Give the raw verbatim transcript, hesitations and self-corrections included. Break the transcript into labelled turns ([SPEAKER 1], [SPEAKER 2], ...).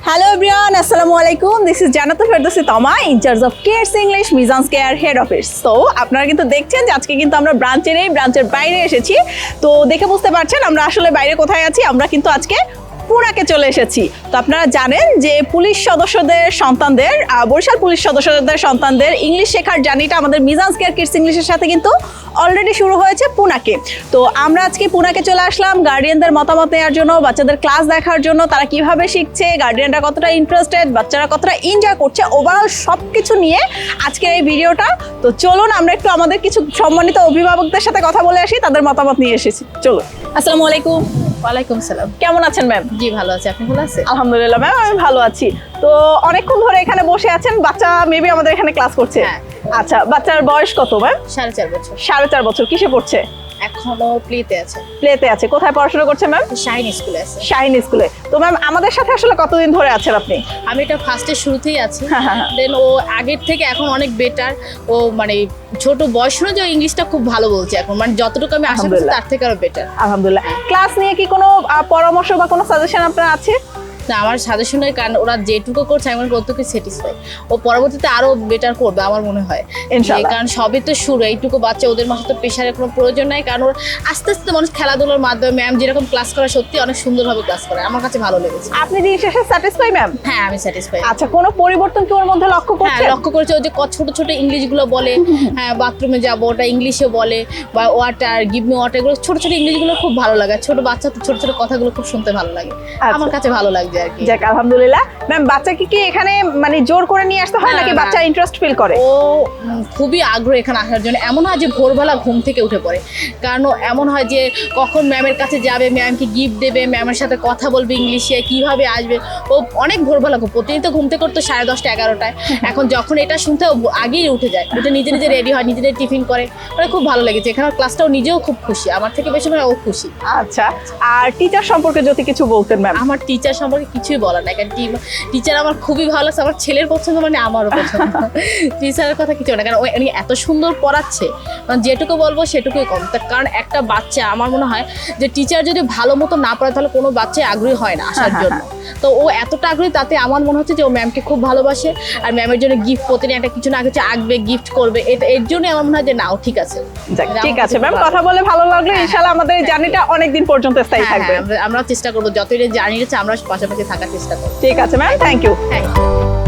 [SPEAKER 1] Hello everyone, Assalamu alaikum. This is Janata Ferdowsi Toma, in charge of Kids English Mizan's Care Head Office. So, আপনারা কিন্তু দেখছেন যে আজকে কিন্তু আমরা ব্রাঞ্চে নেই, ব্রাঞ্চের বাইরে এসেছি। তো দেখে বুঝতে পারছেন আমরা আসলে বাইরে কোথায় আছি। আমরা কিন্তু আজকে পুরাকে চলে এসেছি। তো আপনারা জানেন যে পুলিশ সদস্যদের সন্তানদের বরিশাল পুলিশ সদস্যদের সন্তানদের ইংলিশ শেখার জার্নিটা আমাদের মিজান্স কেয়ার কিডস ইংলিশের সাথে কিন্তু অলরেডি শুরু হয়েছে পুনাকে। তো আমরা আজকে পুনাকে চলে আসলাম গার্ডিয়ানদের মতামত নেওয়ার জন্য, বাচ্চাদের ক্লাস দেখার জন্য, তারা কিভাবে শিখছে, গার্ডিয়ানরা কতটা ইন্টারেস্টেড, বাচ্চারা কতটা এনজয় করছে, ওভারঅল সব কিছু নিয়ে আজকের এই ভিডিওটা। তো চলুন আমরা একটু আমাদের কিছু সম্মানিত অভিভাবকদের সাথে কথা বলে আসি, তাদের মতামত নিয়ে এসেছি। চলুন। আসসালামু আলাইকুম।
[SPEAKER 2] ওয়ালাইকুম সালাম।
[SPEAKER 1] কেমন আছেন ম্যাম?
[SPEAKER 2] জি ভালো আছি, আপনি ভালো আছেন?
[SPEAKER 1] আলহামদুলিল্লাহ ম্যাম, আমি ভালো আছি। তো অনেকক্ষণ ধরে এখানে বসে আছেন, বাচ্চা মেবি আমাদের এখানে ক্লাস করছে।
[SPEAKER 2] হ্যাঁ।
[SPEAKER 1] আচ্ছা, বাচ্চার বয়স কত ম্যাম?
[SPEAKER 2] সাড়ে চার বছর।
[SPEAKER 1] সাড়ে চার বছর। কিসে পড়ছে?
[SPEAKER 2] এখনো প্লেতে আছে।
[SPEAKER 1] প্লেতে আছে। কোথায় পড়াশোনা করছে ম্যাম?
[SPEAKER 2] শাহিন স্কুলে আছে।
[SPEAKER 1] শাহিন স্কুলে। তো ম্যাম আমাদের সাথে আসলে কতদিন ধরে আছেন আপনি?
[SPEAKER 2] আমি এটা ফার্স্টের শুরুতেই আছি।
[SPEAKER 1] হ্যাঁ, হ্যাঁ, হ্যাঁ।
[SPEAKER 2] দেন ও আগের থেকে এখন অনেক বেটার। ও মানে ছোট বয়স অনুযায়ী ইংলিশটা খুব ভালো বলছে এখন, মানে যতটুকু আমি আশা করছি তার থেকে আরো বেটার।
[SPEAKER 1] আলহামদুলিল্লাহ। ক্লাস নিয়ে কি কোনো আহ, পরামর্শ বা কোনো সাজেশন আপনার আছে?
[SPEAKER 2] না, আমার সাজেশনের কারণ ওরা যেটুকু করছে আমি কতটুকু স্যাটিসফাই। ও পরবর্তীতে আরো বেটার করবে আমার মনে হয়।
[SPEAKER 1] ইনশাআল্লাহ।
[SPEAKER 2] কারণ সবই তো শুরু, এইটুকু বাচ্চা, ওদের মাঝে তো প্রেশারের কোনো প্রয়োজন নাই। কারণ ওর আস্তে আস্তে মানুষ খেলাধুলার মাধ্যমে ম্যাম যেরকম ক্লাস করে সত্যি অনেক সুন্দরভাবে ক্লাস করে, আমার কাছে ভালো লেগেছে।
[SPEAKER 1] আপনি দিন শেষে স্যাটিসফাই ম্যাম?
[SPEAKER 2] হ্যাঁ আমি স্যাটিসফাই।
[SPEAKER 1] আচ্ছা, কোনো পরিবর্তন কি ওর মধ্যে লক্ষ্য
[SPEAKER 2] হ্যাঁ
[SPEAKER 1] করছেন?
[SPEAKER 2] লক্ষ্য করেছে, ওই যে ক- ছোট ছোট ইংলিশগুলো বলে, হ্যাঁ বাথরুমে যাবো ওটা ইংলিশে বলে, বা ওয়াটার গিভ মি ওয়াটার, এগুলো ছোট ছোট ইংলিশগুলো খুব ভালো লাগে। ছোট বাচ্চা তো ছোট ছোট কথাগুলো খুব শুনতে ভালো লাগে, আমার কাছে ভালো লাগছে আর কি।
[SPEAKER 1] যাক আলহামদুলিল্লাহ। ম্যাম বাচ্চাকে কি এখানে মানে জোর করে নিয়ে আসতে হয়
[SPEAKER 2] না,
[SPEAKER 1] নাকি
[SPEAKER 2] না,
[SPEAKER 1] বাচ্চা ইন্টারেস্ট ফিল করে?
[SPEAKER 2] ও উম, খুবই আগ্রহ এখানে আসার জন্য। এমন হয় যে ভোরবেলা ঘুম থেকে উঠে পড়ে, কারণ ও এমন হয় যে কখন ম্যামের কাছে যাবে, ম্যামকে গিফট দেবে, ম্যামের সাথে কথা বলবে ইংলিশে, কিভাবে আসবে। ও অনেক ভোরবেলা ঘুম, প্রতিদিন ঘুম থেকে করতো সাড়ে দশটা এগারোটায়। এখন যখন এটা শুনতে ও আগেই উঠে যায়, উঠে নিজে নিজে রেডি হয়, নিজে নিজে টিফিন করে, মানে খুব ভালো লেগেছে। এখানে ক্লাসটাও নিজেও খুব খুশি, আমার থেকে বেশি মানে ও খুশি।
[SPEAKER 1] আচ্ছা, আর টিচার সম্পর্কে যদি কিছু বলতেন ম্যাম?
[SPEAKER 2] আমার টিচার সম্পর্কে কিছুই বলার নাই, কারণ টিচার আমার খুবই ভালো লাগছে। আমার ছেলের পছন্দ মানে আমারও পছন্দ। টিচারের কথা কিছু না, কারণ উনি এত সুন্দর পড়াচ্ছে, মানে যেটুকু বলবো সেটুকুই কম। তার কারণ একটা বাচ্চা, আমার মনে হয় যে টিচার যদি ভালো মতো না পড়ে তাহলে কোনো বাচ্চাই আগ্রহী হয় না আসার জন্য। তো ও এতটা আগ্রহী, তাতে আমার মনে হচ্ছে যে ও ম্যামকে খুব ভালোবাসে, আর ম্যামের জন্য গিফট প্রতিদিন একটা কিছু না কিছু আঁকবে, গিফট করবে। এটা এর জন্যই আমার মনে হয় যে না ও ঠিক আছে।
[SPEAKER 1] যাক, ঠিক আছে ম্যাম, কথা বলে ভালো লাগলো। ইনশাআল্লাহ আমাদের এই জার্নিটা অনেক দিন পর্যন্ত স্থায়ী
[SPEAKER 2] হ্যাঁ,
[SPEAKER 1] থাকবে।
[SPEAKER 2] হ্যাঁ, আমরা আমরাও চেষ্টা করবো যতই জার্নি আছে আমরা পাশাপাশি থাকার চেষ্টা করবো।
[SPEAKER 1] ঠিক আছে ma'am, thank you.
[SPEAKER 2] Thank you.